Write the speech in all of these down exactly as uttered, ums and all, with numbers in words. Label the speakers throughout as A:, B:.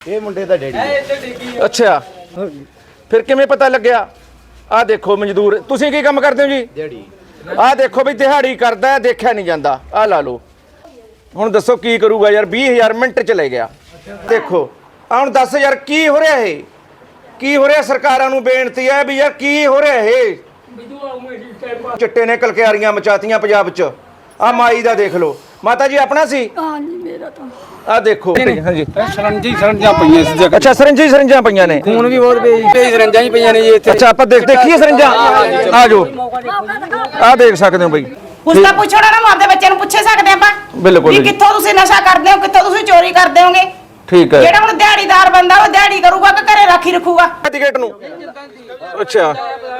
A: ਇਹ ਮੁੰਡੇ ਦਾ ਡੈਡੀ।
B: ਅੱਛਾ, ਫਿਰ ਕਿਵੇਂ ਪਤਾ ਲੱਗਿਆ? ਆਹ ਦੇਖੋ ਮਜ਼ਦੂਰ, ਤੁਸੀਂ ਕੀ ਕੰਮ ਕਰਦੇ ਹੋ ਜੀ?
A: ਦਿਹਾੜੀ।
B: ਆਹ ਦੇਖੋ ਵੀ ਦਿਹਾੜੀ ਕਰਦਾ, ਦੇਖਿਆ ਨਹੀਂ ਜਾਂਦਾ। ਆਹ ਲਾ ਲਓ, ਹੁਣ ਦੱਸੋ ਕੀ ਕਰੂਗਾ ਯਾਰ? ਵੀਹ ਹਜ਼ਾਰ ਮਿੰਟ ਚ ਲੈ ਗਿਆ। ਦੇਖੋ ਆ ਹੁਣ ਦੱਸ ਯਾਰ ਕੀ ਹੋ ਰਿਹਾ ਇਹ? ਕੀ ਹੋ ਰਿਹਾ? ਸਰਕਾਰਾਂ ਨੂੰ ਬੇਨਤੀ ਹੈ ਵੀ ਯਾਰ ਕੀ ਹੋ ਰਿਹਾ ਇਹ? ਚਿੱਟੇ ਨੇ ਕਲਕਿਆਰੀਆਂ ਮਚਾਤੀਆਂ ਪੰਜਾਬ ਚ। ਆ ਮਾਈ ਦਾ ਦੇਖ ਲਓ। ਮਾਤਾ ਜੀ ਆਪਣਾ ਸੀ?
C: ਹਾਂਜੀ ਮੇਰਾ ਤਾਂ।
B: ਆ ਦੇਖੋ ਹਾਂਜੀ,
D: ਸਰੰਜੀ ਸਰੰਜਾਂ ਪਈਆਂ ਸੀ ਜਗ੍ਹਾ।
B: ਅੱਛਾ, ਸਰੰਜੀ ਸਰੰਜਾਂ ਪਈਆਂ ਨੇ।
D: ਖੂਨ ਵੀ ਬਹੁਤ ਪਈ, ਸਰੰਜਾਂ ਹੀ ਪਈਆਂ ਨੇ ਜੀ ਇੱਥੇ।
B: ਅੱਛਾ, ਆਪਾਂ ਦੇਖ ਦੇਖੀਏ ਸਰੰਜਾਂ। ਆ ਜਾਓ, ਆ ਦੇਖ ਸਕਦੇ ਹੋ ਬਈ।
E: ਉਸ ਦਾ ਪੁੱਛਣਾ ਨਾ, ਆਪਦੇ ਬੱਚੇ ਨੂੰ ਪੁੱਛੇ ਸਕਦੇ ਆਪਾਂ
B: ਬਿਲਕੁਲ
E: ਵੀ ਕਿੱਥੋਂ ਤੁਸੀਂ ਨਸ਼ਾ ਕਰਦੇ ਹੋ, ਕਿੱਥੋਂ ਤੁਸੀਂ ਚੋਰੀ ਕਰਦੇ ਹੋਗੇ।
B: ਠੀਕ ਹੈ।
E: ਜਿਹੜਾ ਹੁਣ ਦਿਹਾੜੀਦਾਰ ਬੰਦਾ ਉਹ ਦਿਹਾੜੀ ਕਰੂਗਾ ਕਿ ਘਰੇ ਰਾਖੀ ਰੱਖੂਗਾ?
B: ਟਿਕਟ ਨੂੰ। ਅੱਛਾ,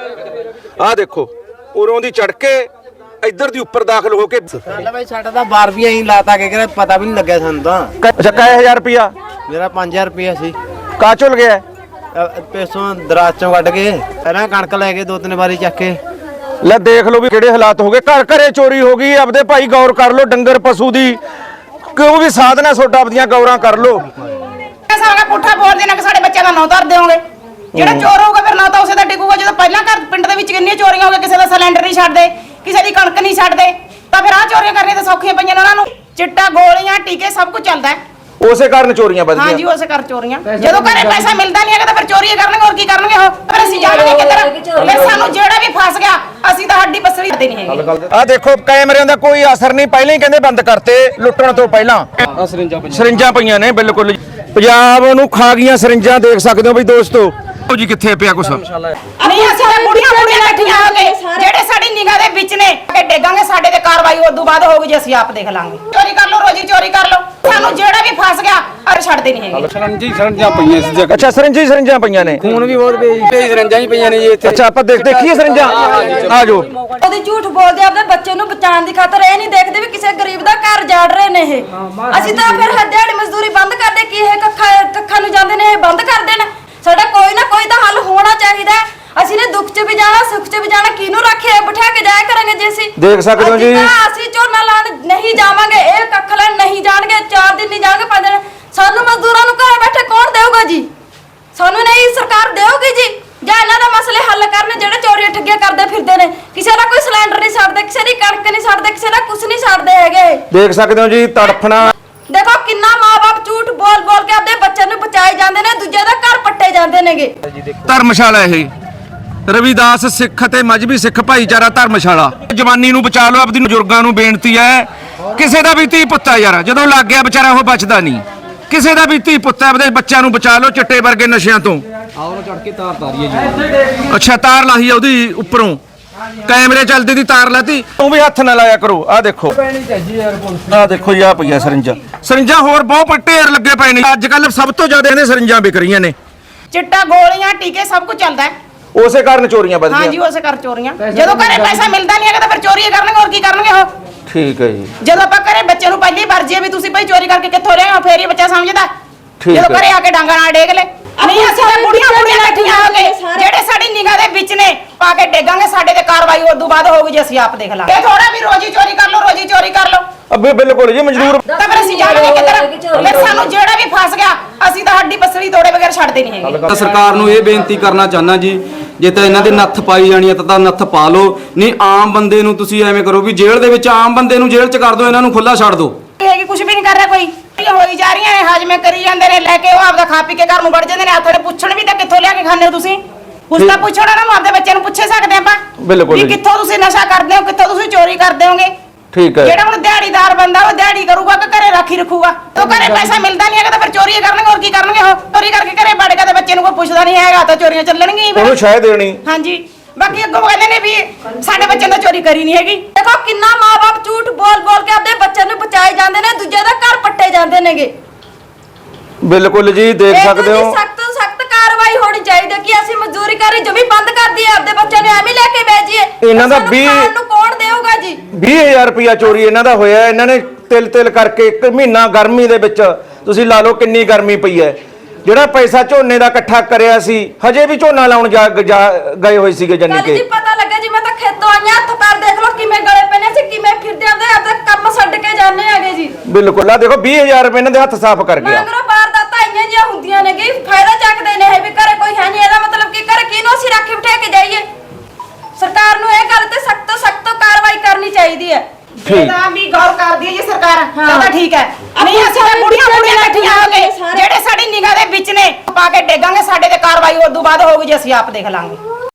B: ਆ ਦੇਖੋ ਉਰੋਂ ਦੀ ਚੜ ਕੇ ਇੱਧਰ ਦੀ ਉੱਪਰ ਦਾਖਲ ਹੋ ਕੇ।
A: ਚੱਲ ਬਾਈ ਸਾਡਾ ਤਾਂ ਬਾਰ ਵੀ ਐਂ ਲਾਤਾ ਕਿ ਕਿਹੜਾ ਪਤਾ ਵੀ ਨਹੀਂ ਲੱਗਿਆ ਸਾਨੂੰ ਤਾਂ।
B: ਅੱਛਾ, ਕਾਏ ਹਜ਼ਾਰ ਰੁਪਿਆ?
A: ਮੇਰਾ ਪੰਜ ਹਜ਼ਾਰ ਰੁਪਇਆ ਸੀ।
B: ਕਾ ਚੁੱਲ ਗਿਆ?
A: ਪੈਸੋਂ ਦਰਾਜ ਚੋਂ ਕੱਢ ਕੇ ਪਹਿਲਾਂ ਕਣਕ ਲੈ ਕੇ ਦੋ ਤਿੰਨ ਵਾਰੀ ਚੱਕ ਕੇ।
B: ਲੈ ਦੇਖ ਲਓ ਵੀ ਕਿਹੜੇ ਹਾਲਾਤ ਹੋ ਗਏ। ਘਰ ਘਰੇ ਚੋਰੀ ਹੋ ਗਈ। ਆਪਦੇ ਭਾਈ ਗੌਰ ਕਰ ਲਓ, ਡੰਗਰ ਪਸ਼ੂ ਦੀ ਕਿਉਂ ਵੀ ਸਾਧਨਾ ਛੋਟਾ ਆਪਦੀਆਂ ਗੌਰਾਂ ਕਰ ਲਓ।
E: ਸਾਰਾ ਪੁੱਠਾ ਬੋਲਦੇ ਨੇ ਕਿ ਸਾਡੇ ਬੱਚਿਆਂ ਦਾ ਨਾਂ ਧਰ ਦੇਵੋਗੇ। ਜਿਹੜਾ ਚੋਰ ਹੋਊਗਾ ਫਿਰ ਨਾ ਤਾਂ ਉਸੇ ਦਾ ਡਿੱਗੂਗਾ। ਜਦੋਂ ਪਹਿਲਾਂ ਘਰ ਪਿੰਡ ਦੇ ਵਿੱਚ ਕਿੰਨੀਆਂ ਚੋਰੀਆਂ ਹੋ ਗਈਆਂ, ਕਿਸੇ ਦਾ ਸਿਲੰਡਰ ਨਹੀਂ ਛੱਡਦੇ, ਕਿਸੇ ਦੀ ਕਣਕ ਨਹੀਂ ਛੱਡਦੇ, ਤਾਂ ਫਿਰ ਆਹ ਚੋਰੀਆਂ ਕਰਨੀਆਂ ਤਾਂ ਸੌਖੀਆਂ ਪਈਆਂ ਨੇ ਉਹਨਾਂ ਨੂੰ। ਚਿੱਟਾ, ਗੋਲੀਆਂ, ਟੀਕੇ ਸਭ ਕੁਝ ਚੱਲਦਾ ਹੈ।
B: ਉਸੇ ਕਾਰਨ ਚੋਰੀਆਂ ਵੱਧ
E: ਹਾਂਜੀ,
B: ਗਈਆਂ।
E: ਉਸੇ ਕਰ ਚੋਰੀਆਂ। ਜਦੋਂ ਘਰੇ ਪੈਸਾ ਮਿਲਦਾ ਨਹੀਂ ਹੈਗਾ ਤਾਂ ਫਿਰ ਚੋਰੀਆਂ ਕਰਨਗੇ। ਹੋਰ ਕੀ ਕਰਨਗੇ ਉਹ? ਫਿਰ ਅਸੀਂ ਜਾਣਗੇ ਕਿੱਧਰ? ਫਿਰ ਸਾਨੂੰ ਜਿਹੜਾ ਵੀ ਫਸ ਗਿਆ ਅਸੀਂ ਤਾਂ ਹੱਡੀ ਬਸਰੀ ਕਰਦੇ ਨਹੀਂ ਹੈਗੇ।
B: ਆ ਦੇਖੋ ਕੈਮਰਿਆਂ ਦਾ ਕੋਈ ਅਸਰ ਨਹੀਂ। ਪਹਿਲਾਂ ਹੀ ਕਹਿੰਦੇ ਬੰਦ ਕਰਤੇ ਲੁੱਟਣ ਤੋਂ ਪਹਿਲਾਂ।
D: ਆ ਸਰੰਜਾਂ ਪਈਆਂ,
B: ਸਰਿੰਜਾਂ ਪਈਆਂ ਨੇ ਬਿਲਕੁਲ। ਪੰਜਾਬ ਨੂੰ ਖਾ ਗਈਆਂ ਸਰਿੰਜਾਂ। ਦੇਖ ਸਕਦੇ ਹੋ ਬਈ ਦੋਸਤੋ ਜੀ ਕਿੱਥੇ ਪਿਆ ਕੁਛ।
E: ਨਹੀਂ ਅਸੀਂ ਤਾਂ ਕੁੜੀਆਂ ਕੁੜੀਆਂ ਇਕੱਠੀਆਂ ਹੋ ਕੇ ਜਿਹੜੇ ਸਾਡੀ ਨਿਗਾਹ ਦੇ ਵਿੱਚ ਨੇ ਕਿ ਡੇਗਾਂਗੇ, ਸਾਡੇ ਤੇ ਕਾਰਵਾਈ ਉਦੋਂ ਬਾਅਦ ਹੋਊਗੀ ਜੇ ਅਸੀਂ ਆਪ ਦੇਖ ਲਾਂਗੇ। ਚੋਰੀ ਕਰ ਲਓ, ਰੋਜੀ ਚੋਰੀ ਕਰ ਲਓ, ਸਾਨੂੰ ਜਿਹੜਾ ਵੀ ਫਸ ਗਿਆ ਅਰ ਛੱਡਦੇ ਨਹੀਂ ਹੈਗੇ।
D: ਸਰੰਜੀ ਸਰੰਜਾਂ ਪਈਆਂ ਸੀ ਜਗ੍ਹਾ।
B: ਅੱਛਾ, ਸਰਿੰਜੀ ਸਰਿੰਜਾਂ ਪਈਆਂ ਨੇ।
D: ਖੂਨ ਵੀ ਬਹੁਤ ਪਈ, ਸਰੰਜਾਂ ਹੀ ਪਈਆਂ ਨੇ ਜੀ ਇੱਥੇ।
B: ਅੱਛਾ, ਆਪਾਂ ਦੇਖ ਦੇਖੀਏ ਸਰਿੰਜਾਂ। ਆ ਜਾਓ।
C: ਉਹਦੀ ਝੂਠ ਬੋਲਦੇ ਆਪਣੇ ਬੱਚੇ ਨੂੰ ਬਚਾਉਣ ਦੀ ਖਾਤਰ। ਇਹ ਨਹੀਂ ਦੇਖਦੇ ਵੀ ਕਿਸੇ ਗਰੀਬ ਦਾ ਘਰ ਜਾੜ ਰਹੇ ਨੇ ਇਹ। ਅਸੀਂ ਤਾਂ ਫਿਰ ਦਿਹਾੜੀ ਮਜ਼ਦੂਰੀ ਬੰਦ ਕਰਦੇ ਕੀ ਇਹ ਕੱਖਾਂ ਕੱਖਾਂ ਨੂੰ ਜਾਂਦੇ ਨੇ, ਇਹ ਬੰਦ ਕਰ ਦੇਣ। ਸਾਡਾ ਕੋਈ ਨਾ ਕੋਈ ਤਾਂ ਹੱਲ ਹੋਣਾ ਚਾਹੀਦਾ। ਅਸੀਂ ਨੇ ਦੁੱਖ 'ਚ ਵੀ ਜਾਣਾ, ਸੁੱਖ 'ਚ ਵੀ ਜਾਣਾ। ਕਿਹਨੂੰ ਰੱਖੇ ਬਿਠਾ ਕੇ ਜਾਇਆ ਕਰਾਂਗੇ ਜੇ ਅਸੀਂ
B: ਦੇਖ ਸਕਦੇ ਹੋ ਜੀ।
C: ਅਸੀਂ ਝੋਨਾ ਲਾਣ ਨਹੀਂ ਜਾਵਾਂਗੇ, ਇਹ ਕੱਖ ਲੈਣ ਨਹੀਂ ਜਾਣਗੇ, ਚਾਰ ਦਿਨ ਨਹੀਂ ਜਾਣਗੇ, ਪੰਜ ਦਿਨ। ਸਾਨੂੰ ਮਜ਼ਦੂਰਾਂ ਨੂੰ ਘਰੇ ਬੈਠੇ ਕੌਣ ਦੇਊਗਾ ਜੀ? ਸਾਨੂੰ ਨਹੀਂ ਸਰਕਾਰ ਦੇਊਗੀ ਜੀ? ਜਾਂ ਇਹਨਾਂ ਦਾ ਮਸਲੇ ਹੱਲ ਕਰਨ ਜਿਹੜੇ ਚੋਰੀਆਂ ਠੱਗੀਆਂ ਕਰਦੇ ਫਿਰਦੇ ਨੇ। ਕਿਸੇ ਦਾ ਕੋਈ ਸਿਲੰਡਰ ਨਹੀਂ ਛੱਡਦੇ, ਕਿਸੇ ਦੀ ਕਣਕ ਨਹੀਂ ਛੱਡਦੇ, ਕਿਸੇ ਦਾ ਕੁਝ ਨਹੀਂ ਛੱਡਦੇ ਹੈਗੇ।
B: ਦੇਖ ਸਕਦੇ ਹੋ ਜੀ ਤੜਫਣਾ।
C: ਦੇਖੋ ਕਿੰਨਾ ਮਾਂ-ਬਾਪ ਝੂਠ ਬੋਲ ਬੋਲ ਕੇ ਆਪਣੇ ਬੱਚਿਆਂ ਨੂੰ ਬਚਾਏ ਜਾਂਦੇ ਨੇ, ਦੂਜੇ ਦਾ ਘਰ ਪੱਟੇ ਜਾਂਦੇ ਨੇਗੇ।
B: ਧਰਮਸ਼ਾਲਾ ਇਹ ਰਵਿਦਾਸ ਸਿੱਖ ਅਤੇ ਮਜਬੀ ਸਿੱਖ ਭਾਈਚਾਰਾ ਧਰਮਸ਼ਾਲਾ। ਜਵਾਨੀ ਨੂੰ ਬਚਾ ਲਓ। ਆਪਦੀ ਬਜ਼ੁਰਗਾਂ ਨੂੰ ਬੇਨਤੀ ਹੈ, ਕਿਸੇ ਦਾ ਵੀ ਧੀ ਪੁੱਤ ਹੈ ਯਾਰ, ਜਦੋਂ ਲੱਗ ਗਿਆ ਵਿਚਾਰਾ ਉਹ ਬਚਦਾ ਨਹੀਂ। ਕਿਸੇ ਦਾ ਵੀ ਧੀ ਪੁੱਤ ਹੈ, ਆਪਦੇ ਬੱਚਿਆਂ ਨੂੰ ਬਚਾ ਲਓ ਚਿੱਟੇ ਵਰਗੇ ਨਸ਼ਿਆਂ ਤੋਂ।
D: ਆਉਂ ਚੜ ਕੇ ਤਾਰ ਤਾਰੀ ਹੈ ਜੀ।
B: ਅੱਛਾ, ਤਾਰ ਲਾਹੀ ਆ ਉਹਦੀ ਉੱਪਰੋਂ, ਕੈਮਰੇ ਚੱਲਦੇ ਦੀ ਤਾਰ ਲਾਤੀ। ਉਹ ਵੀ ਹੱਥ ਨਾ ਲਾਇਆ ਕਰੋ। ਆ ਦੇਖੋ, ਆ ਦੇਖੋ ਜੀ, ਆ ਪਈਆਂ ਸਰਿੰਜਾਂ। ਸਰਿੰਜਾਂ ਹੋਰ ਬਹੁਤ ਢੇਰ ਲੱਗੇ ਪਏ ਨੇ। ਅੱਜ ਕੱਲ ਸਭ ਤੋਂ ਜ਼ਿਆਦਾ ਇਹਨੇ ਸਰਿੰਜਾਂ ਵਿਕ ਰਹੀਆਂ ਨੇ।
E: ਚਿੱਟਾ, ਗੋਲੀਆਂ, ਟੀਕੇ ਸਭ ਕੁਝ ਚੱਲਦਾ ਹੈ।
B: ਉਸੇ ਕਾਰਨ ਚੋਰੀਆਂ ਵੱਧ
E: ਹਾਂਜੀ,
B: ਗਈਆਂ।
E: ਉਸੇ ਕਰ ਚੋਰੀਆਂ। ਜਦੋਂ ਘਰੇ ਪੈਸਾ ਮਿਲਦਾ ਨਹੀਂ ਹੈਗਾ ਤਾਂ ਫਿਰ ਚੋਰੀਆਂ ਕਰਨਗੇ। ਹੋਰ ਕੀ ਕਰਨਗੇ ਉਹ?
B: ਠੀਕ ਹੈ ਜੀ।
E: ਜਦੋਂ ਆਪਾਂ ਘਰੇ ਬੱਚੇ ਨੂੰ ਪਹਿਲੀ ਵਾਰ ਜੇ ਵੀ ਤੁਸੀਂ ਭਾਈ ਚੋਰੀ ਕਰਕੇ ਕਿੱਥੋਂ ਲਿਆਏ ਹੋ, ਫੇਰ ਹੀ ਬੱਚਾ ਸਮਝਦਾ।
B: ਠੀਕ
E: ਜਦੋਂ
B: ਹੈ।
E: ਘਰੇ ਆ ਕੇ ਡਾਂਗਾ ਨਾਲ ਡੇਗ ਲੈ। ਨਹੀਂ ਅਸੀਂ ਤਾਂ ਕੁੜੀਆਂ ਕੁੜੀਆਂ ਇਕੱਠੀਆਂ ਹੋ ਕੇ ਜਿਹੜੇ ਸਾਡੀ ਨਿਗਾਹ ਦੇ ਵਿੱਚ ਨੇ ਪਾ ਕੇ ਡੇਗਾਂਗੇ, ਸਾਡੇ ਤੇ ਕਾਰਵਾਈ ਉਦੋਂ ਬਾਅਦ ਹੋਊਗੀ ਜੇ ਅਸੀਂ ਆਪ ਦੇਖ ਲਾਂਗੇ। ਇਹ ਥੋੜਾ ਵੀ ਰੋਜੀ ਚੋਰੀ ਕਰ ਲਓ, ਰੋਜੀ ਚੋਰੀ ਕਰ ਲਓ,
B: ਅੱਬੇ ਬਿਲਕੁਲ ਜੀ ਮਜ਼ਦੂਰ।
E: ਤਾਂ ਫਿਰ ਅਸੀਂ ਜਾਣਗੇ ਕਿੱਧਰ? ਫਿਰ ਸਾਨੂੰ ਜਿਹੜਾ ਵੀ ਫਸ ਗਿਆ ਅਸੀਂ ਤਾਂ ਹੱਡੀ ਬਸਰੀ ਤੋੜੇ ਬਗੈਰ ਛੱਡਦੇ ਨਹੀਂ ਹੈਗੇ।
D: ਤਾਂ ਸਰਕਾਰ ਨੂੰ ਇਹ ਬੇਨਤੀ ਕਰਨਾ ਚਾਹੁੰਦਾ ਜੀ, ਜੇ ਤਾਂ ਇਹਨਾਂ ਦੇ ਨੱਥ ਪਾਈ ਜਾਣੀ ਹੈ ਤਾਂ ਤਾਂ ਨੱਥ ਪਾ ਲਓ। ਨਹੀਂ ਆਮ ਬੰਦੇ ਨੂੰ ਤੁਸੀਂ ਐਵੇਂ ਕਰੋ ਵੀ ਜੇਲ੍ਹ ਦੇ ਵਿੱਚ ਆਮ ਬੰਦੇ ਨੂੰ ਜੇਲ੍ਹ 'ਚ ਕਰ ਦਿਓ, ਇਹਨਾਂ ਨੂੰ ਖੁੱਲਾ ਛੱਡ ਦਿਓ।
E: ਇਹ ਕਿ ਕੁਝ ਵੀ ਨਹੀਂ ਕਰ ਰਿਹਾ ਕੋਈ। ਇਹ ਹੋਈ ਜਾ ਰਹੀਆਂ ਨੇ, ਹਾਜ਼ਮੇ ਕਰੀ ਜਾਂਦੇ ਨੇ, ਲੈ ਕੇ ਉਹ ਆਪਦਾ ਖਾ ਪੀ ਕੇ ਘਰ ਨੂੰ ਵੜ ਜਾਂਦੇ ਨੇ। ਹੱਥ ਪੁੱਛਣ ਵੀ ਤਾਂ ਕਿੱਥੋਂ ਲਿਆ ਕੇ ਖਾਂਦੇ ਹੋ ਤੁਸੀਂ? ਉਸ ਦਾ ਪੁੱਛਣਾ ਨਾ, ਆਪਦੇ ਬੱਚਿਆਂ ਨੂੰ ਪੁੱਛੇ ਸਕਦੇ ਆਪਾਂ
B: ਬਿਲਕੁਲ
E: ਵੀ
B: ਜੀ।
E: ਕਿੱਥੋਂ ਤੁਸੀਂ ਨਸ਼ਾ ਕਰਦੇ ਹੋ, ਕਿੱਥੋਂ ਤੁਸੀਂ ਚੋਰੀ ਕਰਦੇ ਹੋਗੇ।
B: ਠੀਕ ਹੈ।
E: ਜਿਹੜਾ ਹੁਣ ਦਿਹਾੜੀਦਾਰ ਬੰਦਾ ਉਹ ਦਿਹਾੜੀ ਕਰੂਗਾ ਕਿ ਘਰੇ ਰਾਖੀ ਰੱਖੂਗਾ? ਤੋਂ ਘਰੇ ਪੈਸਾ ਮਿਲਦਾ ਨਹੀਂ ਹੈਗਾ ਤਾਂ ਫਿਰ ਚੋਰੀਆਂ ਕਰਨਗੇ। ਹੋਰ ਕੀ ਕਰਨਗੇ ਉਹ? ਚੋਰੀ ਕਰਕੇ ਘਰੇ ਵੜੇਗਾ ਤੇ ਬੱਚੇ ਨੂੰ ਕੋਈ ਪੁੱਛਦਾ ਨਹੀਂ ਹੈਗਾ ਤਾਂ ਚੋਰੀਆਂ ਚੱਲਣਗੀਆਂ ਹੀ ਫਿਰ।
B: ਉਹਨੂੰ ਸ਼ਾਇਦ ਦੇਣੀ।
E: ਹਾਂਜੀ, ਬਾਕੀ ਅੱਗੋਂ ਕਹਿੰਦੇ ਨੇ ਵੀ ਸਾਡੇ ਬੱਚਿਆਂ ਨੇ ਚੋਰੀ ਕਰੀ ਨਹੀਂ ਹੈਗੀ।
C: ਦੇਖੋ ਕਿੰਨਾ ਮਾਂ-ਬਾਪ ਝੂਠ ਬੋਲ ਬੋਲ ਕੇ ਆਪਣੇ ਬੱਚਿਆਂ ਨੂੰ ਬਚਾਏ ਜਾਂਦੇ ਨੇ, ਦੂਜੇ ਦਾ ਘਰ ਪੱਟੇ ਜਾਂਦੇ ਨੇਗੇ।
B: ਬਿਲਕੁਲ ਜੀ, ਦੇਖ ਸਕਦੇ ਹੋ।
C: ਸਖਤ ਤੋਂ ਸਖਤ ਕਾਰਵਾਈ ਹੋਣੀ ਚਾਹੀਦੀ ਕਿ ਅਸੀਂ ਮਜ਼ਦੂਰੀ ਕਰੀ ਜਮੀ ਬੰਦ ਕਰ ਦਈਏ, ਆਪਦੇ ਬੱਚਿਆਂ ਨੂੰ ਐਵੇਂ ਲੈ ਕੇ ਭੇਜੀਏ।
B: ਇਹਨਾਂ ਦਾ
C: ਸਾਨੂੰ
B: ਵੀਹ
C: ਖਾਣ ਨੂੰ ਕੌਣ ਦੇਊਗਾ ਜੀ?
B: ਵੀਹ ਹਜ਼ਾਰ ਰੁਪਇਆ ਚੋਰੀ ਇਹਨਾਂ ਦਾ ਹੋਇਆ। ਇਹਨਾਂ ਨੇ ਤਿਲ ਤਿਲ ਕਰਕੇ ਇੱਕ ਮਹੀਨਾ ਗਰਮੀ ਦੇ ਵਿੱਚ ਤੁਸੀਂ ਲਾ ਲਓ ਕਿੰਨੀ ਗਰਮੀ ਪਈ ਹੈ। ਜਿਹੜਾ ਪੈਸਾ ਝੋਨੇ ਦਾ ਇਕੱਠਾ ਕਰਿਆ ਸੀ, ਹਜੇ ਵੀ ਝੋਨਾ ਲਾਉਣ ਜਾ ਗਏ ਹੋਏ ਸੀਗੇ ਜਾਨੀ
C: ਕੱਲ
B: ਕਿ।
C: ਜੀ ਪਤਾ ਲੱਗਾ ਜੀ, ਮੈਂ ਤਾਂ ਖੇਤੋਂ ਆਈਆਂ, ਹੱਥ ਪੈਰ ਦੇਖ ਲਓ ਕਿਵੇਂ ਗਲੇ ਪਏ ਨੇ, ਅਸੀਂ ਕਿਵੇਂ ਫਿਰਦੇ ਆਂਦੇ, ਆਪਦਾ ਕੰਮ ਛੱਡ ਕੇ ਜਾਂਦੇ ਆਗੇ ਜੀ।
B: ਬਿਲਕੁਲ, ਆ ਦੇਖੋ ਵੀਹ ਹਜ਼ਾਰ ਰੁਪਏ ਇਹਨਾਂ ਦੇ ਹੱਥ ਸਾਫ਼ ਕਰ ਗਿਆ।
C: ਮਗਰੋਂ ਬਾਹਰ ਦਾ ਤਾਂ ਆਈਆਂ ਜੀ, ਚੋਰੀਆਂ ਹੁੰਦੀਆਂ ਨੇ ਕਿ ਫਾਇਦਾ ਚੱਕਦੇ ਨੇ ਇਹ ਵੀ ਘਰੇ ਕੋਈ ਹੈ ਨਹੀਂ, ਇਹਦਾ ਮਤਲਬ ਕਿ ਘਰੇ ਕਿਹਨੂੰ ਅਸੀਂ ਰੱਖ ਬਿਠਾ ਕੇ ਜਾਈਏ। ਸਰਕਾਰ ਨੂੰ ਇਹ ਗੱਲ ਤੇ ਸਖਤ ਤੋਂ ਸਖਤ ਕਾਰਵਾਈ ਕਰਨੀ ਚਾਹੀਦੀ ਹੈ।
E: ਇਹਦਾ ਵੀ ਗੌਰ ਕਰਦੀ ਹੈ ਜੀ ਸਰਕਾਰ, ਤਾਂ ਠੀਕ ਹੈ। ਨਹੀਂ ਅਸੀਂ ਤਾਂ ਬੁੜੀਆਂ ਬੁੜੀਆਂ ਇਕੱਠੀਆਂ ਹੋ ਕੇ ਜਿਹੜੇ ਸਾਡੀ ਨਿਗਾਹ ਦੇ ਵਿੱਚ ਨੇ ਪਾ ਕੇ ਡੇਗਾਂਗੇ, ਸਾਡੇ ਤੇ ਕਾਰਵਾਈ ਉਦੋਂ ਬਾਅਦ ਹੋਊਗੀ ਜੇ ਅਸੀਂ ਆਪ ਦੇਖ ਲਾਂਗੇ।